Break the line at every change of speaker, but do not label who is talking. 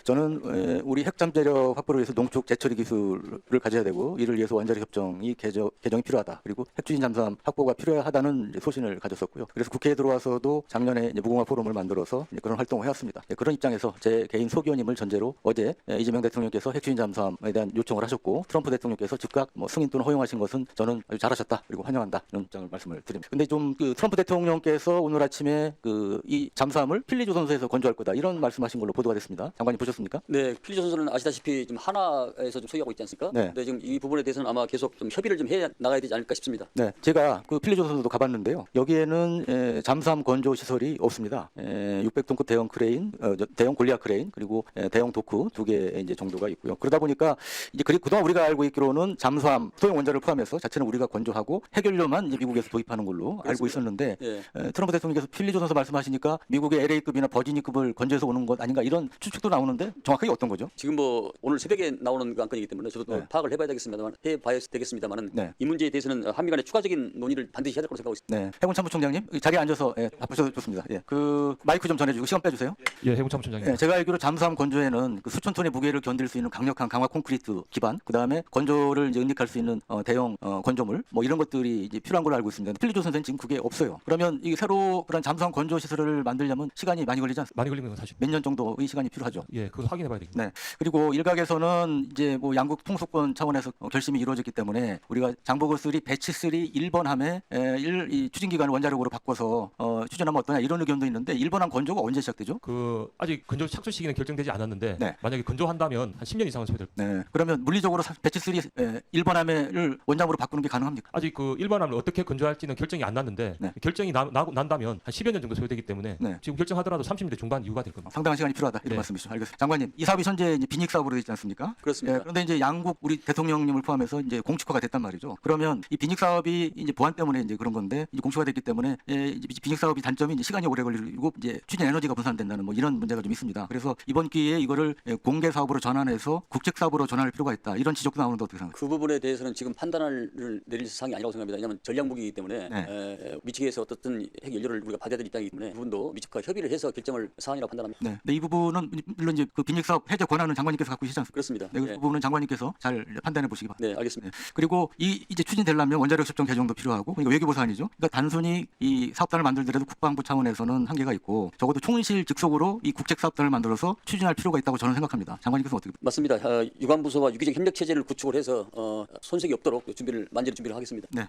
저는 우리 핵잠재력 확보를 위해서 농축 재처리 기술을 가져야 되고 이를 위해서 원자력 협정이 개정이 필요하다. 그리고 핵추진 잠수함 확보가 필요하다는 소신을 가졌었고요. 그래서 국회에 들어와서도 작년에 이제 무공화 포럼을 만들어서 이제 그런 활동을 해왔습니다. 그런 입장에서 제 개인 소견임을 전제로 어제 이재명 대통령께서 핵추진 잠수함에 대한 요청을 하셨고 트럼프 대통령께서 즉각 승인 또는 허용하신 것은 저는 아주 잘하셨다 그리고 환영한다 이런 입장을 말씀을 드립니다. 근데 좀 그 트럼프 대통령께서 오늘 아침에 이 잠수함을 필리조선소에서 건조할 거다 이런 말씀하신 걸로 보도가 됐습니다. 장관님 보셨습니까?
네, 필리조선소는 아시다시피 지금 하나에서 좀 소유하고 있지 않습니까?
네.
네, 지금 이 부분에 대해서는 아마 계속 좀 협의를 좀 해 나가야 되지 않을까 싶습니다.
네, 제가 그 필리조선소도 가봤는데요. 여기에는 잠수함 건조 시설이 없습니다. 600톤급 대형 크레인, 대형 골리앗 크레인 그리고 대형 도크 2개 이제 정도가 있고요. 그러다 보니까 이제 그동안 우리가 알고 있기로는 잠수함 소형 원자를 포함해서 자체는 우리가 건조하고 핵연료만 이제 미국에서 도입하는 걸로 알고 있었는데
예.
트럼프 대통령께서 필리조선소 말씀하시니까 미국의 LA급이나 버지니급을 건조해서 오는 것 아닌가 이런 추측도 나오는데 정확하게 어떤 거죠?
지금 뭐 오늘 새벽에 나오는 그 안건이기 때문에 저도 또
네.
파악을 해봐야 되겠습니다만은
네.
이 문제에 대해서는 한미 간의 추가적인 논의를 반드시 해야 될 거라고 생각하고 있습니다.
네, 해군 참모총장님 자리에 앉아서 바쁘셔도 좋습니다. 예, 그 마이크 좀 전해주고 시간 빼주세요.
예, 해군 참모총장님.
네, 제가 알기로 잠수함 건조에는 그 수천 톤의 무게를 견딜 수 있는 강력한 강화 콘크리트 기반, 그 다음에 건조를 이제 응립할 수 있는 대형 건조물, 뭐 이런 것들이 이제 필요한 걸로 알고 있습니다. 필리조선소는 지금 그게 없어요. 그러면 이 새로 그런 잠수함 건조 시설을 만들려면 시간이 많이 걸리지 않습니까?
많이 걸리는 건 사실.
몇 년 정도의 시간이 필요하죠.
예, 그거 확인해봐야 되겠네요.
네. 그리고 일각에서는 이제 뭐 양국 통수권 차원에서 결심이 이루어졌기 때문에 우리가 장보고 3, 배치 3 1번 함에 이 추진 기간을 원자력으로 바꿔서 추진하면 어떠냐 이런 의견도 있는데 1번 함 건조가 언제 시작되죠?
그 아직 건조 착수 시기는 결정되지 않았는데
네.
만약에 건조한다면 한 10년 이상은 소요될.
네. 그러면 물리적으로 배치 3 1번 함을 원장으로 바꾸는 게 가능합니까?
아직 그 일반함을 어떻게 건조할지는 결정이 안 났는데
네.
결정이 난다면 한 10여 년 정도 소요되기 때문에
네.
지금 결정하더라도 30년대 중반 이후가 될 겁니다.
상당한 시간이 필요하다 이런
네.
말씀이시죠. 알겠습니다. 장관님, 이 사업이 현재 이제 빈익 사업으로 되어 있지 않습니까?
그렇습니다.
그런데 이제 양국 우리 대통령님을 포함해서 이제 공식화가 됐단 말이죠. 그러면 이 빈익 사업이 이제 보안 때문에 이제 그런 건데 이제 공식화가 됐기 때문에 이제 빈익 사업이 단점이 이제 시간이 오래 걸리고 이제 추진 에너지가 분산된다는 뭐 이런 문제가 좀 있습니다. 그래서 이번 기회에 이거를 공개 사업으로 전환해서 국책 사업으로 전환할 필요가 있다. 이런 지적도 나오는데 어떻게 생각하세요?
그 부분에 대해서는 지금 판단을 내릴 사항이 아니라고 생각합니다. 왜냐하면 전략무기이기 때문에 미측에서 어떻든 핵 연료를 우리가 받아야 될 입장이기 때문에 그 부분도 미측과 협의를 해서 결정을 사안이라고 판단합니다.
네. 근데 이 부분은 물론 이제 그 빈익 사업 해제 권한은 장관님께서 갖고 계시지 않습니까?
그렇습니다.
네, 그 부분은 장관님께서 잘 판단해 보시기 바랍니다.
네, 알겠습니다.
그리고 이제 추진되려면 원자력 협정 개정도 필요하고 그러니까 외교부 사안이죠. 그러니까 단순히 이 사업단을 만들더라도 국방부 차원에서는 한계가 있고 적어도 총실 직속으로 이 국책 사업단을 만들어서 추진할 필요가 있다고 저는 생각합니다. 장관님께서 어떻게?
맞습니다. 유관부서와 유기적 협력 체제를 구축을 해서 손색이 없도록 만전히 준비를 하겠습니다.
네.